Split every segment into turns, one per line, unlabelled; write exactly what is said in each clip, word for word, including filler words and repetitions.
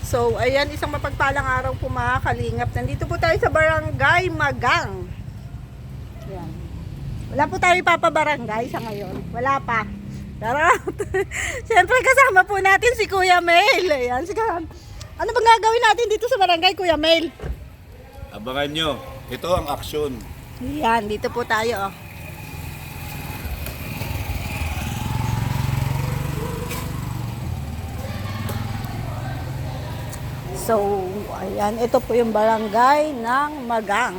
So, ayan, isang mapagpalang araw po mga kalingap. Nandito po tayo sa Barangay Magang. Ayan. Wala po tayo ipapabarangay sa ngayon. Wala pa. Charot. Siyempre kasama po natin si Kuya Mel. Ayan, sige. Ano bang gagawin natin dito sa barangay, Kuya Mel?
Abangan nyo. Ito ang aksyon.
Ayan, dito po tayo. Oh. So, ayan, ito po yung barangay ng Magang.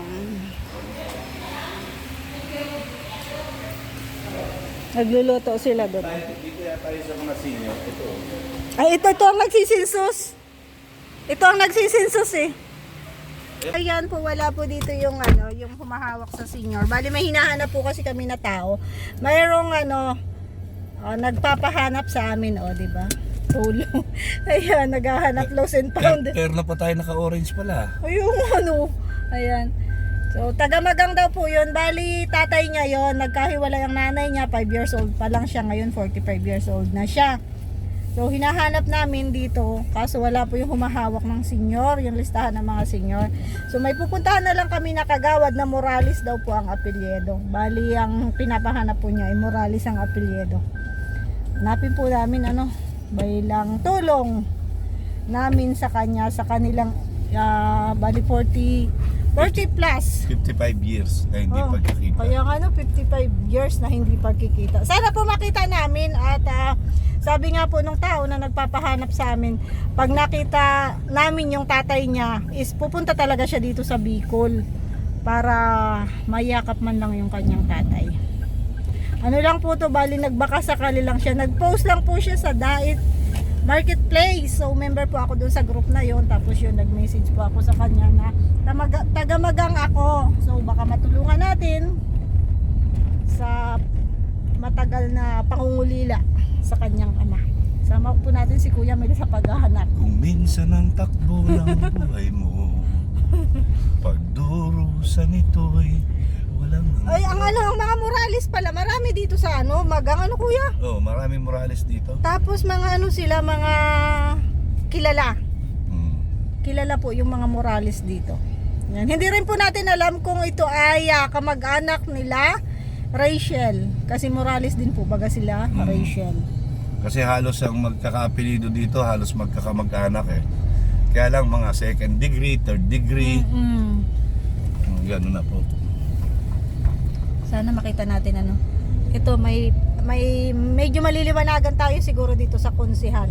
Nagluluto sila doon.
Dito yata tayo sa mga senior. Ito.
Ay, ito, ito ang nagsisinsus. Ito ang nagsisinsus eh. Ayan po, wala po dito yung ano, yung humahawak sa senior. Bali, may hinahanap po kasi kami na tao. Mayroong ano, oh, nagpapahanap sa amin, oh, di ba? Tulong. Ayan, naghahanap lost and found.
Pero na pa tayo naka-orange pala.
Ayun, ano. Ayan. So, taga-Magang daw po yun. Bali, tatay niya yon, nagkahiwalay ang nanay niya, five years old pa lang siya. Ngayon, forty-five years old na siya. So, hinahanap namin dito, kaso wala po yung humahawak ng senior, yung listahan ng mga senior. So, may pupuntahan na lang kami na kagawad na Morales daw po ang apelyedo. Bali, ang pinapahanap po niya ay Morales ang apelyedo. Hanapin po namin, ano, bilang tulong namin sa kanya, sa kanilang, uh, bali, forty, forty plus.
fifty-five years na hindi
Oh,
pagkakita.
Kaya nga no, fifty-five years na hindi pagkikita. Sana po makita namin at uh, sabi nga po nung tao na nagpapahanap sa amin, pag nakita namin yung tatay niya, is pupunta talaga siya dito sa Bicol para mayakap man lang yung kanyang tatay. Ano lang po to, bali nagbaka sakali lang siya. Nag-post lang po siya sa Dait Marketplace. So member po ako doon sa group na yon. Tapos yun, nag-message po ako sa kanya na taga-Magang ako. So baka matulungan natin sa matagal na pangungulila sa kanyang ama. Sama po natin si Kuya Mel sa paghahanap.
Kung minsan ang takbo ng buhay mo, pagdurusa nito'y walang...
Ay, ang ano, ang mga Morales pala, marami dito sa ano, Magang, ano Kuya?
Oh, maraming Morales dito.
Tapos mga ano sila, mga kilala.
Hmm.
Kilala po yung mga Morales dito. Yan. Hindi rin po natin alam kung ito ay uh, kamag-anak nila Rachel. Kasi Morales din po baga sila,
Hmm.
Rachel.
Kasi halos ang magkakaapelido dito, halos magkakamag-anak eh. Kaya lang mga second degree, third degree.
Mm-hmm.
Hmm, gano'n na po.
Sana makita natin ano. Ito may may medyo maliliwanagan tayo siguro dito sa konsehal.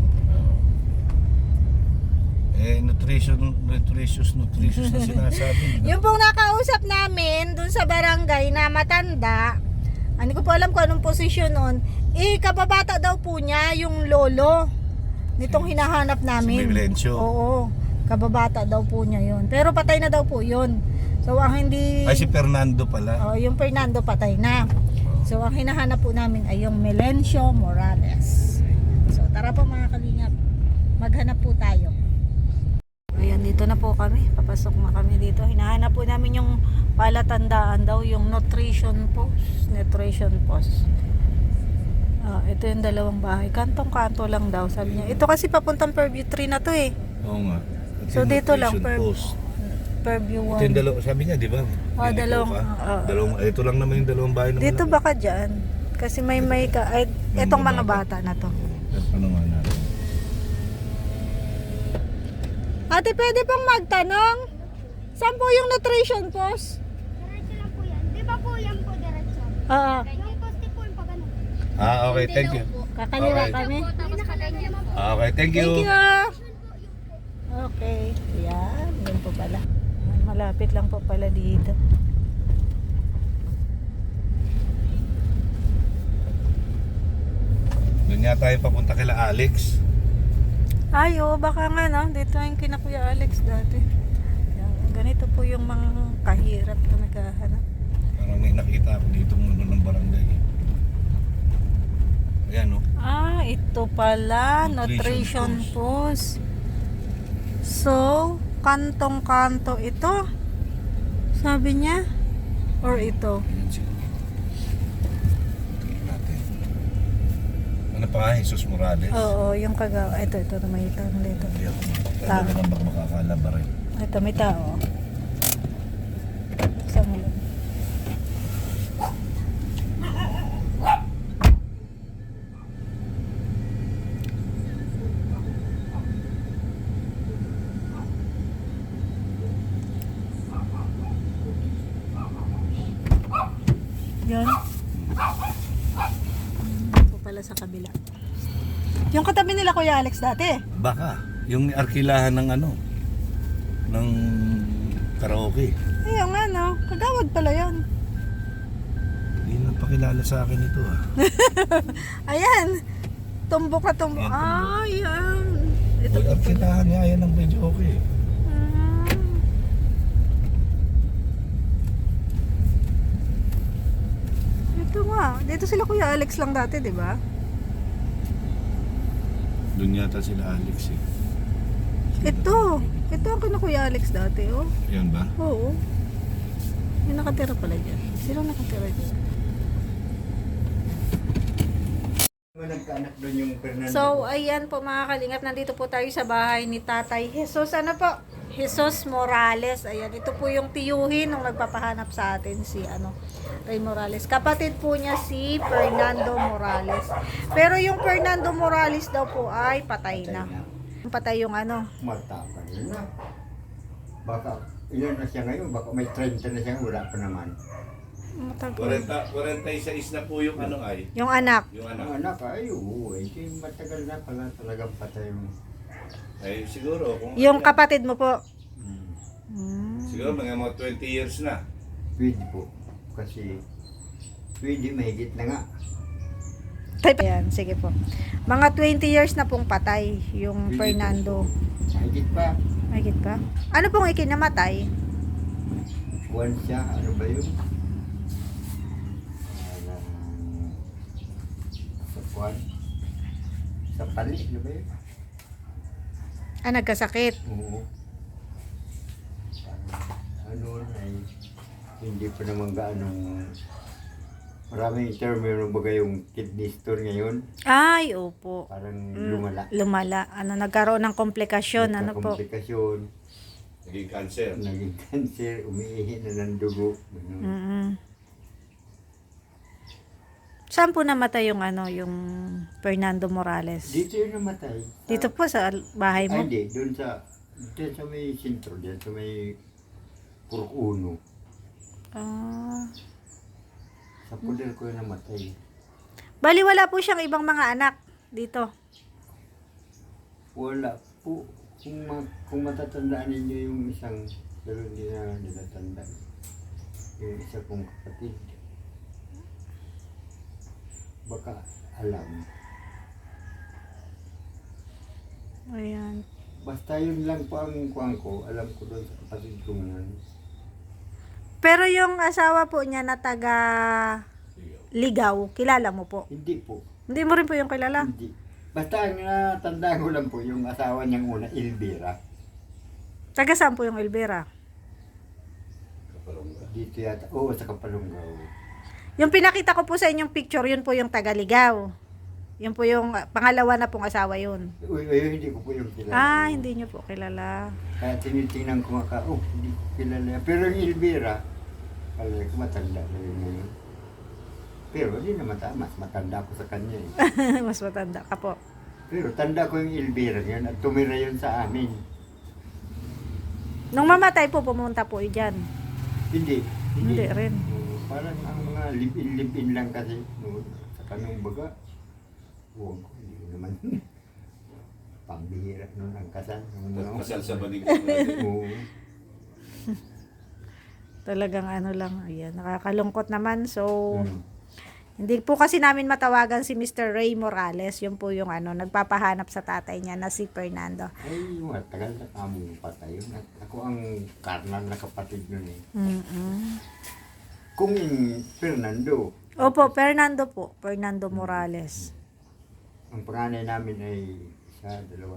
Eh, nutrition, nutritious, nutritious na sinasabi.
Yung pong nakausap namin dun sa barangay na matanda, hindi ko po alam kung anong posisyon nun, eh kababata daw po niya yung lolo nitong hinahanap namin.
Si Melencio.
Oo, kababata daw po niya yun. Pero patay na daw po yun. So ang hindi...
Ay, si Fernando pala.
Oh, yung Fernando patay na. So ang hinahanap po namin ay yung Melencio Morales. So tara po mga kalingap, maghanap po tayo. Ayan, dito na po kami. Papasok na kami dito. Hinahanap po namin yung palatandaan daw, yung nutrition post. Nutrition post. Ah, ito yung dalawang bahay. Kantong-kanto lang daw, sabi niya. Ito kasi papuntang Purview three na to eh.
Oo nga. Ito
So
yung
dito lang,
nutrition
per,
post.
Purview
Ito yung
one.
dalawa, sabi niya, di ba?
Oh,
Dito
dalawang,
ka?
oo.
dalawang, ito lang naman yung dalawang bahay naman.
Dito baka dyan. Kasi may may ka, ay, etong mga bata na to.
Ano nga natin?
Ate, pwede pong magtanong? Saan po yung nutrition post?
Diretso lang po yan. Di ba po yan po diretso?
Ah,
Yung poste po yung pag ano.
Ah, okay, thank you.
kakaliwa
Okay.
kami.
Tapos nakalagyan po.
Ah, okay, thank you.
Thank you. Okay. Yan. Yan po pala. Malapit lang po pala dito.
Doon nga tayo papunta kila Alex.
Ay, oh, baka nga no. Dito yung kina Kuya Alex dati. Yan. Ganito po yung mga kahirap na naghahanap.
Parang may nakita ako dito ng ng barangay. Ayan, oh.
Ah, ito pala.
Nutrition
Nutrition post. So, kantong-kanto ito. Sabi niya. Or ito.
Ayan siguro. Tingnan natin. ano pa nga, Jesus Morales.
Oo, yung kagawa. Ito, ito, may tao dito.
Yan.
Tama.
Pwede naman baka makakala ba rin.
Ito, may tao. Saan mo lang? Yan. Ito pala sa kabila. Yung katabi nila Kuya Alex dati.
Baka, yung arkilahan ng ano, ng karaoke.
Ayun nga no, kagawad pala yun.
Hindi na pakilala sa akin ito ah.
Ayan. Tumbok na tumbok.
Ayan, tumbok.
Ah, yan. Ito
Uy,
po pala.
arkilahan nga yan ng medyo okay.
Ah. Ito nga. Dito sila Kuya Alex lang dati, di ba?
Doon yata sila Alex eh.
Ito. Ito ang kina Kuya Alex dati, oh.
Yan ba?
Oo. May nakatira pala dyan. Sino nakatira dyan?
Nagkaanak doon yung Fernando.
So, ayan po mga kalingap. Nandito po tayo sa bahay ni Tatay Jesus. Ano po? Jesus Morales. Ayan, ito po yung tiyuhin nung nagpapahanap sa atin si ano, Ray Morales. Kapatid po niya si Fernando Morales. Pero yung Fernando Morales daw po ay patay na. Patay yung ano.
Matapang yun na. Baka, ilan na siya ngayon? Baka may thirty na siya, wala pa naman.
Matagal.
forty-six na po yung ano ay.
Yung anak.
Yung
Ang anak, ay, oo, eh, siya matagal na pala talagang patay mo.
Ay siguro kung
Yung kapatid mo po.
Hmm.
Hmm.
siguro mga mga twenty years na.
Pwede po. Kasi, pwede, mahigit na nga.
Type. Ayan, sige po. Mga twenty years na pong patay yung
Pwede
Fernando.
po. Mahigit pa.
Mahigit pa? Ano pong ikinamatay?
Buwan siya, ano ba yun? Parang, sa buwan. Sa pali, ano ba yun?
Ah, nagkasakit.
Oo. Parang, ano ay hindi pa naman gaanong maraming term yung baga yung kidney stone ngayon.
Ay, opo.
Parang
Mm,
lumala.
Lumala. Ano, nagkaroon ng komplikasyon. Ano po?
Komplikasyon,
Naging cancer.
naging cancer, umiihi na ng dugo. Ganun.
Mm-mm. Saan po namatay yung ano, yung Fernando Morales?
Dito yun namatay.
Dito po sa bahay
Ay,
mo?
hindi. Doon sa, doon sa may sentro, doon sa may Purok Uno.
Ah.
Sa puder ko yun namatay.
Bali, wala po siyang ibang mga anak dito.
Wala po. Kung, ma, kung matatandaan ninyo yung isang, pero hindi na nilatanda. Yung isa kong kapatid. Baka alam.
Ayan.
Basta yun lang po ang kuwang ko. Alam ko doon sa kapatid ko ngayon.
Pero yung asawa po niya na taga Ligaw, kilala mo po?
Hindi po.
Hindi mo rin po yung kilala?
Hindi. Basta ang natandaan ko lang po yung asawa niyang una, Elvira.
Taga saan po yung Elvira?
Dito yata. Oo, sa Kapalunggaw.
Yung pinakita ko po sa inyong picture, yun po yung taga-Ligaw. Yun po yung uh, pangalawa na pong asawa yun.
Uy, uy, hindi ko po yung kilala.
Ah, hindi nyo po kilala.
Kaya tinitingnan ko nga ka, oh, hindi ko kilala. Pero yung Elvira, kala ko matanda na yun ngayon. Pero hindi naman tama, mas matanda ko sa kanya eh.
Mas matanda ka po.
Pero tanda ko yung Elvira ngayon at tumira yun sa amin.
Nung mamatay po, pumunta po dyan.
Hindi.
Hindi rin.
Oo, parang ang mga live-in-live-in lang kasi. No, sa kanong baga. Oo, hindi ko naman. Pambihira nun ang kasal. No?
Kasal sa banig.
Oo.
Talagang ano lang, ayan, nakakalungkot naman. So,
Hmm.
hindi po kasi namin matawagan si Mister Ray Morales. Yun po yung ano, nagpapahanap sa tatay niya na si Fernando.
Ay, matagal na kamo patay yun. At ako ang karnal na kapatid nun eh.
Mm-mm.
Kung yung Fernando,
Opo, Fernando po. Fernando Morales.
ang panganay namin ay sa dalawa.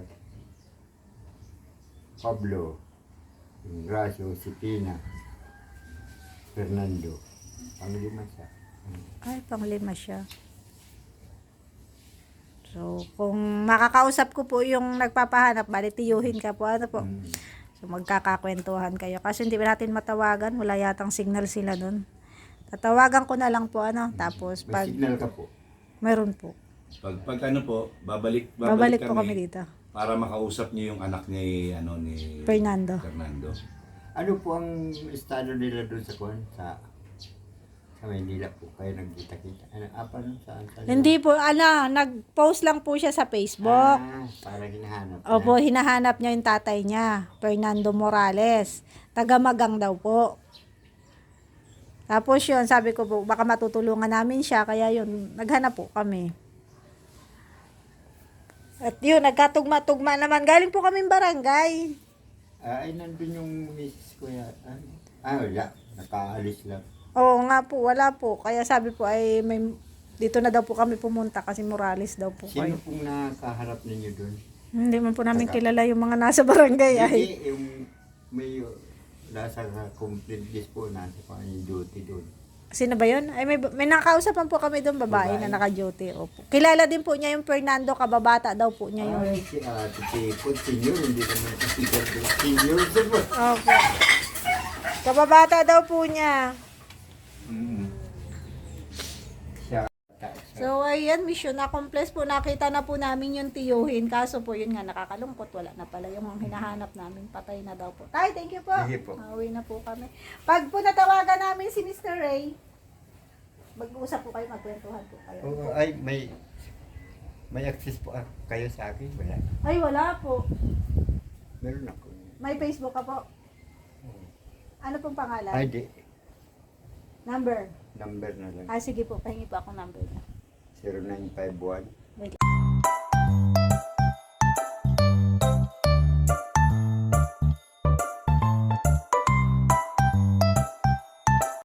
Pablo, yung Gracio, si Pina, Fernando. Panglima siya.
Ay, panglima siya. So, kung makakausap ko po yung nagpapahanap, bali tiyuhin ka po, ano po.
Mm.
So, magkakakwentuhan kayo. Kasi hindi ba natin matawagan, wala yatang signal sila doon. Tatawagan ko na lang po, ano, tapos
May
pag,
signal ka po.
meron po.
Pag, pag ano po, babalik,
Babalik
babalik,
po kami
kami,
dito.
para makausap niyo yung anak ni, ano, ni
Fernando.
Fernando.
Ano po ang estado nila doon sa kuwan? Sa sa Maynila po kayo nagkita-kita. Ano, apa no? Saan? saan
Hindi po, ano, nag-post lang po siya sa Facebook.
Ah, para hinahanap na.
Opo, hinahanap niya yung tatay niya, Fernando Morales. Taga-Magang daw po. Tapos yun, sabi ko po, baka matutulungan namin siya, kaya yun, naghanap po kami. At yun, nagkatugma-tugma naman. Galing po kaming barangay.
Ah, ay, nandun yung misis ko ya. Ah, ah, wala. Nakaalis lang.
Oo nga po, wala po. Kaya sabi po ay may dito na daw po kami pumunta kasi Morales daw po
Sino
kayo.
pong nakaharap ninyo doon?
Hindi man po namin
Taga-
kilala yung mga nasa barangay ay.
Hindi, yung may uh, nasa complete list po, nasa pa yung duty doon.
Sino ba yun? Ay may may nakausapan po kami doon, babae,
Babae.
na naka-duty. Opo. Kilala din po niya yung Fernando, kababata daw po niya yun.
Ay, si Ate Tipot, senior, hindi naman si Tipot, senior siya po.
Opo. Kababata daw po niya.
Mm. Siya.
So, ayan, mission accomplished po. Nakita na po namin yung tiyuhin. Kaso po, yun nga, nakakalungkot. Wala na pala yung mga hinahanap namin. Patay na daw po. Tay, thank you po.
Sige po.
Pauwi na po kami. Pag po natawagan namin si Mister Ray, mag-uusap po kayo, magkwentuhan po kayo.
Oo, ay, may may access po ah, kayo sa akin, wala.
Ay, wala po.
Meron ako.
May Facebook ka po. Ano pong pangalan?
Ay, di.
Number.
Number na lang.
Ah, sige po. Pahingi po ako number niya.
zero nine five one
Wait lang.